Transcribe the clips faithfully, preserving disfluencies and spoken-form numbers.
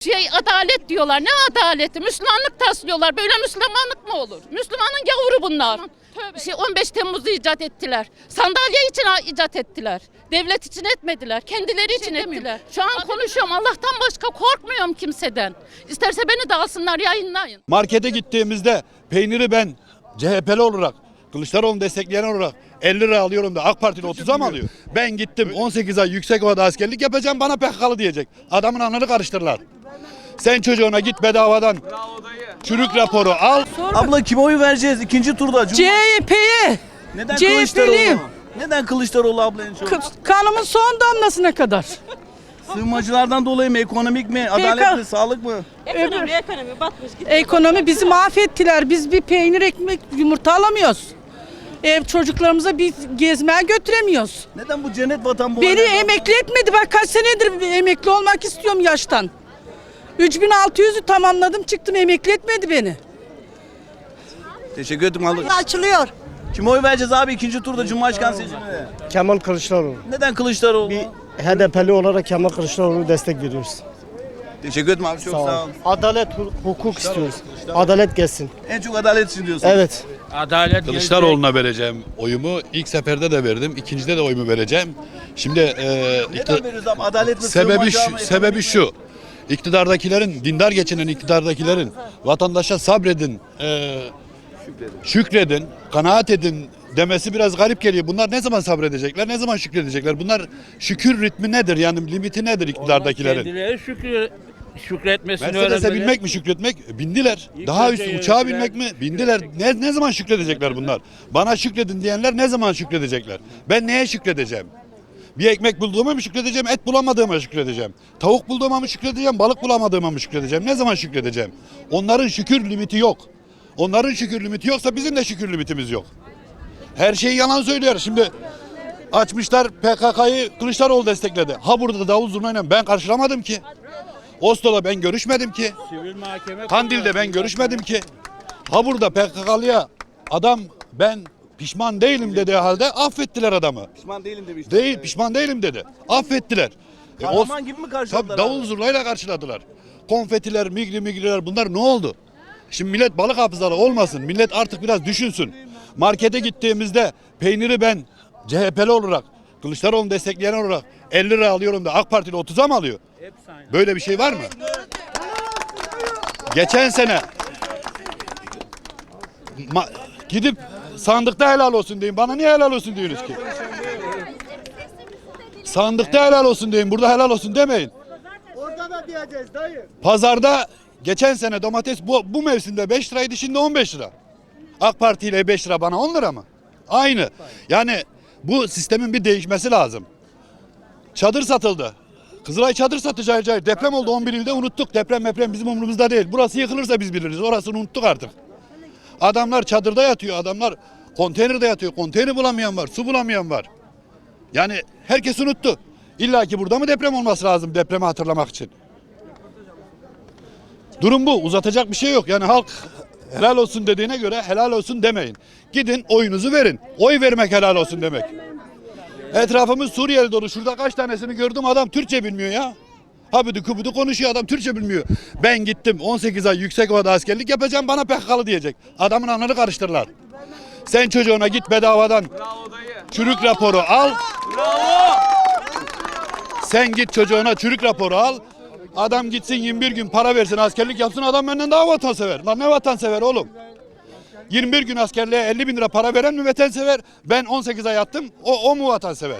Şey adalet diyorlar. Ne adaleti? Müslümanlık taslıyorlar. Böyle Müslümanlık mı olur? Müslümanın gavuru bunlar. Şey on beş Temmuz'u icat ettiler. Sandalye için icat ettiler. Devlet için etmediler. Kendileri için ettiler. Şu an konuşuyorum. Allah'tan başka korkmuyorum kimseden. İsterse beni de alsınlar, yayınlayın. Markete gittiğimizde peyniri ben C H P'li olarak, Kılıçdaroğlu'nu destekleyen olarak elli lira alıyorum da AK Partili otuza mı alıyor? Ben gittim on sekiz ay Yüksekova'da askerlik yapacağım, bana P K K'lı diyecek. Adamın anını karıştırırlar. Sen çocuğuna git bedavadan çürük raporu al. Abla kime oy vereceğiz ikinci turda? C H P'ye. Neden C H Kılıçdaroğlu? P'liyim. Neden Kılıçdaroğlu abla en çok? Kanımın son damlasına kadar. Sığınmacılardan dolayı mı, ekonomik mi, adalet mi, sağlık mı? Ekonomi, ekonomi batmış gitti. Ekonomi bizi mahvettiler. Biz bir peynir, ekmek, yumurta alamıyoruz. Ev çocuklarımıza bir gezmeye götüremiyoruz. Neden bu cennet vatan bu? Beni halde? emekli etmedi. Bak kaç senedir emekli olmak istiyorum yaştan. üç bin altı yüzü tamamladım, çıktım, emekli etmedi beni. Teşekkür ederim abla. Açılıyor. Kime oy vereceğiz abi ikinci turda Cumhurbaşkanı seçiminde? Kemal Kılıçdaroğlu. Neden Kılıçdaroğlu? Bir H D P'li olarak Kemal Kılıçdaroğlu'na destek veriyoruz. Teşekkür ederim abi, çok Sağ ol. sağ ol. Adalet, hu- hukuk istiyoruz. Adalet gelsin. En çok adalet için diyorsun. Evet. Adalet Kılıçdaroğlu'na vereceğim oyumu. İlk seferde de verdim, ikincide de oyumu vereceğim. Şimdi e, Neden ikti- veriyoruz abi? Adalet mi, sebebi sığınmacı şu, mı, ekonomi sebebi mi? şu. İktidardakilerin, dindar geçinen iktidardakilerin vatandaşa sabredin, e, şükredin, kanaat edin demesi biraz garip geliyor. Bunlar ne zaman sabredecekler, ne zaman şükredecekler? Bunlar şükür ritmi nedir? Yani limiti nedir iktidardakilerin? Kendileri şükür, şükretmesini Mercedes'e öğrenmeli. binmek mi şükretmek? Bindiler. İlk Daha önce üstü uçağa yönetilen- binmek mi? Bindiler. Ne, ne zaman şükredecekler bunlar? Bana şükredin diyenler ne zaman şükredecekler? Ben neye şükredeceğim? Bir ekmek bulduğuma mı şükredeceğim, et bulamadığıma şükredeceğim? Tavuk bulduğuma mı şükredeceğim, balık bulamadığıma mı şükredeceğim? Ne zaman şükredeceğim? Onların şükür limiti yok. Onların şükür limiti yoksa bizim de şükür limitimiz yok. Her şeyi yalan söylüyor. Şimdi açmışlar P K K'yı Kılıçdaroğlu destekledi. Ha burada da davul zurnayla ben karşılamadım ki. Oslo'da ben görüşmedim ki. Sivil mahkeme Kandil'de ben görüşmedim ki. Ha burada P K K'lıya adam ben pişman değilim dediği halde affettiler adamı. Pişman değilim demiştim. Değil pişman değilim dedi. Affettiler. E, o- Kahraman gibi mi karşıladılar Tabii davul abi? zurnayla karşıladılar. Konfetiler, migri migriler bunlar ne oldu? Şimdi millet balık hafızalı olmasın. Millet artık biraz düşünsün. Markete gittiğimizde peyniri ben C H P'li olarak, Kılıçdaroğlu'nu destekleyen olarak elli lira alıyorum da AK Partili otuza mı alıyor? Böyle bir şey var mı? Geçen sene ma- gidip sandıkta helal olsun deyin. Bana niye helal olsun diyorsunuz ki? Sandıkta helal olsun deyin. Burada helal olsun demeyin. Orada da diyeceğiz dayı. Pazarda geçen sene domates bu, bu mevsimde beş liraydı, şimdi on beş lira. AK Parti ile beş lira bana on lira mı? Aynı. Yani bu sistemin bir değişmesi lazım. Çadır satıldı. Kızılay çadır satacağı cahil. Deprem oldu on bir ilde, unuttuk. Deprem deprem bizim umurumuzda değil. Burası yıkılırsa biz biliriz. Orasını unuttuk artık. Adamlar çadırda yatıyor. Adamlar konteynerde yatıyor. Konteyner bulamayan var. Su bulamayan var. Yani herkes unuttu. İlla ki burada mı deprem olması lazım depremi hatırlamak için? Durum bu. Uzatacak bir şey yok. Yani halk helal olsun dediğine göre helal olsun demeyin. Gidin oyunuzu verin. Oy vermek helal olsun demek. Etrafımız Suriyeli dolu. Şurada kaç tanesini gördüm, adam Türkçe bilmiyor ya. Habidu kubudu konuşuyor, adam Türkçe bilmiyor. Ben gittim on sekiz ay Yüksekova'da askerlik yapacağım, bana P K K'lı diyecek. Adamın anını karıştırırlar. Sen çocuğuna git bedavadan çürük raporu al. Sen git çocuğuna çürük raporu al. Adam gitsin yirmi bir gün para versin, askerlik yapsın, adam benden daha vatansever. Lan ne vatansever oğlum? yirmi bir gün askerliğe elli bin lira para veren mi vatansever? Ben on sekiz ay yattım, o, o mu vatansever?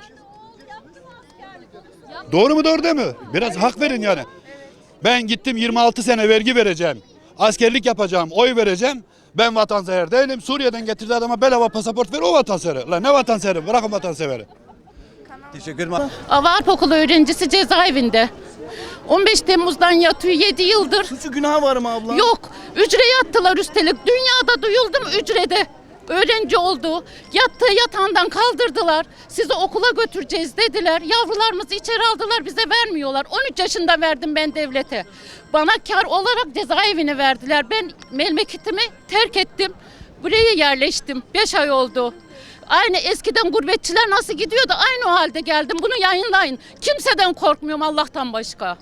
Doğru mu doğru değil mi? Biraz hak verin yani. Ben gittim yirmi altı sene vergi vereceğim. Askerlik yapacağım, oy vereceğim. Ben vatansever değilim. Suriye'den getirdiği adama bedava pasaport ver, o vatansever. Lan ne vatanseveri? Bırakın vatanseveri. Teşekkür ederim abi. Avrupa okulu öğrencisi cezaevinde. on beş Temmuz'dan yatıyor, yedi yıldır. Suçu günah var mı abla? Yok. Ücre yattılar üstelik. Dünyada duyuldum ücrede. Öğrenci oldu. Yattığı yatağından kaldırdılar. Sizi okula götüreceğiz dediler. Yavrularımızı içeri aldılar, bize vermiyorlar. on üç yaşında verdim ben devlete. Bana kar olarak cezaevine verdiler. Ben memleketimi terk ettim. Buraya yerleştim. beş ay oldu. Aynı eskiden gurbetçiler nasıl gidiyordu, aynı o halde geldim. Bunu yayınlayın. Kimseden korkmuyorum Allah'tan başka.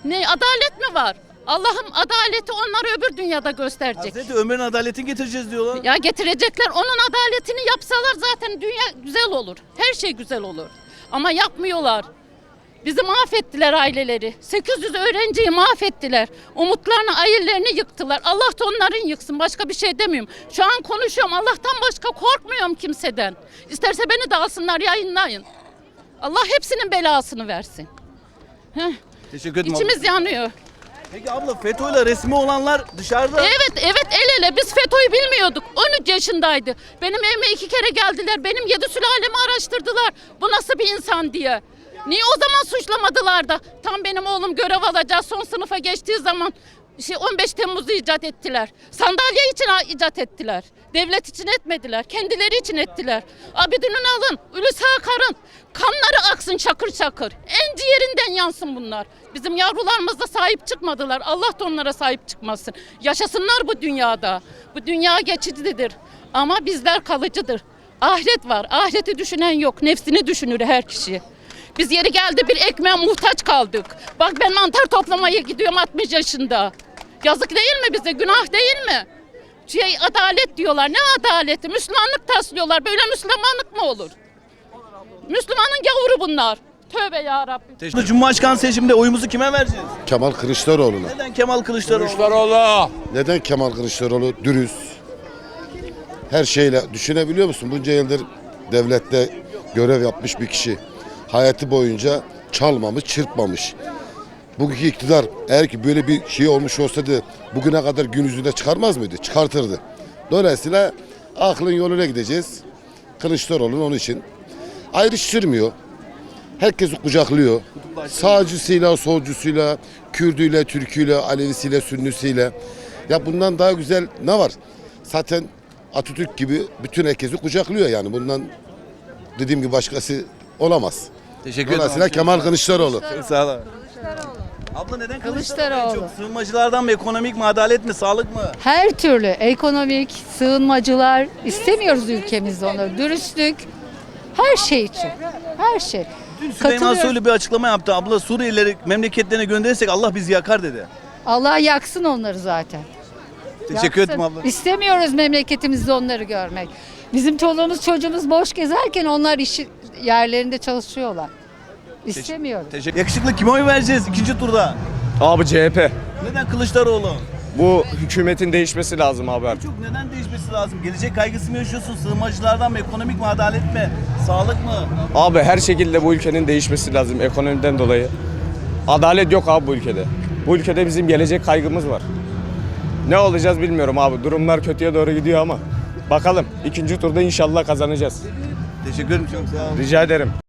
Ne adalet mi var? Allah'ım adaleti onlara öbür dünyada gösterecek. Hazreti Ömer'in adaletini getireceğiz diyorlar. Ya getirecekler, onun adaletini yapsalar zaten dünya güzel olur. Her şey güzel olur. Ama yapmıyorlar. Bizi mahvettiler aileleri. sekiz yüz öğrenciyi mahvettiler. Umutlarını, hayallerini yıktılar. Allah da onların yıksın. Başka bir şey demiyorum. Şu an konuşuyorum. Allah'tan başka korkmuyorum kimseden. İsterse beni de alsınlar, yayınlayın. Allah hepsinin belasını versin. Heh. Teşekkür ederim. İçimiz abla. yanıyor. Peki abla FETÖ'yle resmi olanlar dışarıda. Evet, evet el ele. Biz FETÖ'yü bilmiyorduk. on üç yaşındaydı. Benim evime iki kere geldiler. Benim yedi sülalemi araştırdılar. Bu nasıl bir insan diye. Niye o zaman suçlamadılar da? Tam benim oğlum görev alacak son sınıfa geçtiği zaman şey on beş Temmuz'u icat ettiler. Sandalye için icat ettiler. Devlet için etmediler. Kendileri için ettiler. Abidin Ünal'ın, Hulusi Akar'ın kanları aksın şakır şakır. En ciğerinden yansın bunlar. Bizim yavrularımız da sahip çıkmadılar. Allah da onlara sahip çıkmasın. Yaşasınlar bu dünyada. Bu dünya geçicidir. Ama bizler kalıcıdır. Ahiret var. Ahireti düşünen yok. Nefsini düşünür her kişi. Biz yeri geldi bir ekmeğe muhtaç kaldık. Bak ben mantar toplamaya gidiyorum altmış yaşında. Yazık değil mi bize? Günah değil mi? Şey, adalet diyorlar. Ne adaleti? Müslümanlık taslıyorlar. Böyle Müslümanlık mı olur? Müslümanın gavuru bunlar. Tövbe ya Rabbim. Teşekkür Cumhurbaşkanı seçiminde oyumuzu kime vereceğiz? Kemal Kılıçdaroğlu'na. Neden Kemal Kılıçdaroğlu? Kılıçdaroğlu. Neden Kemal Kılıçdaroğlu? Dürüst. Her şeyle düşünebiliyor musun? Bunca yıldır devlette görev yapmış bir kişi. Hayatı boyunca çalmamış, çırpmamış. Bugünkü iktidar eğer ki böyle bir şey olmuş olsaydı bugüne kadar gün yüzüne çıkarmaz mıydı? Çıkartırdı. Dolayısıyla aklın yoluna gideceğiz. Kılıçdaroğlu onun için ayrıştırmıyor. Herkesi kucaklıyor. Sağcısıyla, solcusuyla, Kürdüyle, Türküyle, Alevisiyle, Sünnisiyle. Ya bundan daha güzel ne var? Zaten Atatürk gibi bütün herkesi kucaklıyor yani. Bundan dediğim gibi başkası olamaz. Teşekkür ederim. Dolayısıyla Kemal Kılıçdaroğlu. Çok sağ ol. Abla neden Kılıçdaroğlu? en Kılıçdaroğlu. Çok sığınmacılardan mı, ekonomik mi, adalet mi, sağlık mı? Her türlü ekonomik, sığınmacılar istemiyoruz ülkemizde onları. Dürüstlük, her şey için. Her şey. Dün Süleyman Katılıyorum. Soylu bir açıklama yaptı. Abla Suriyelileri memleketlerine gönderirsek Allah bizi yakar dedi. Allah yaksın onları zaten. Teşekkür Yaksın. ederim abla. İstemiyoruz memleketimizde onları görmek. Bizim çoluğumuz çocuğumuz boş gezerken onlar iş yerlerinde çalışıyorlar. İstemiyoruz. Teşekkür. Yakışıklı kime oy vereceğiz ikinci turda? Abi C H P. Neden Kılıçdaroğlu? Bu hükümetin değişmesi lazım abi artık. Çok neden değişmesi lazım? Gelecek kaygısı mı yaşıyorsun? Sığınmacılardan mı, ekonomik mi, adalet mi, sağlık mı? Abi her şekilde bu ülkenin değişmesi lazım ekonomiden dolayı. Adalet yok abi bu ülkede. Bu ülkede bizim gelecek kaygımız var. Ne olacağız bilmiyorum abi. Durumlar kötüye doğru gidiyor ama bakalım. İkinci turda inşallah kazanacağız. Teşekkür ederim çok sağ olun. Rica ederim.